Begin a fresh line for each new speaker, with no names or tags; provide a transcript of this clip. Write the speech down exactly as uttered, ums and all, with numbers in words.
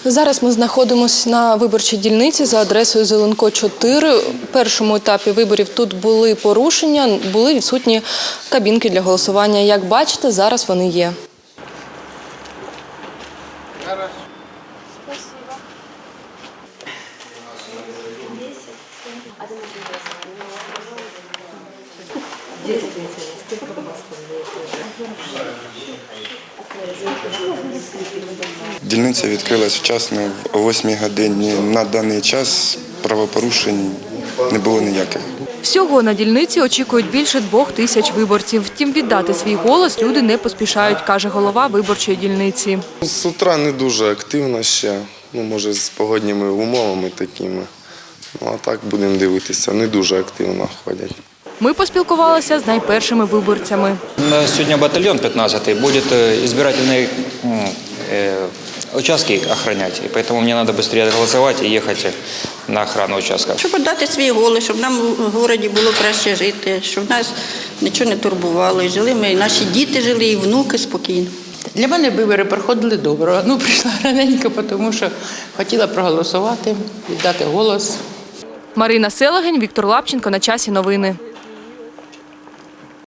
Зараз ми знаходимося на виборчій дільниці за адресою Зеленко, чотири. В першому етапі виборів тут були порушення, були відсутні кабінки для голосування. Як бачите, зараз вони є.
Дільниця відкрилась вчасно, о восьмій годині. На даний час правопорушень не було ніяких.
Всього на дільниці очікують більше двох тисяч виборців. Втім, віддати свій голос люди не поспішають, каже голова виборчої дільниці.
З утра не дуже активно ще, ну, може, з погодніми умовами такими. Ну, а так будемо дивитися, не дуже активно ходять.
Ми поспілкувалися з найпершими виборцями.
Сьогодні батальйон п'ятнадцятий буде избирательные участки охранять. И поэтому мне надо быстрее голосовать и ехать на охрану участка.
Щоб віддати свій голос, щоб нам в місті було краще жити, щоб нас нічого не турбувало. І жили ми, і наші діти жили, і внуки спокійно.
Для мене вибори проходили добре. Ну, прийшла раненько, тому що хотіла проголосувати, віддати голос.
Марина Селегень, Віктор Лапченко. На часі новини.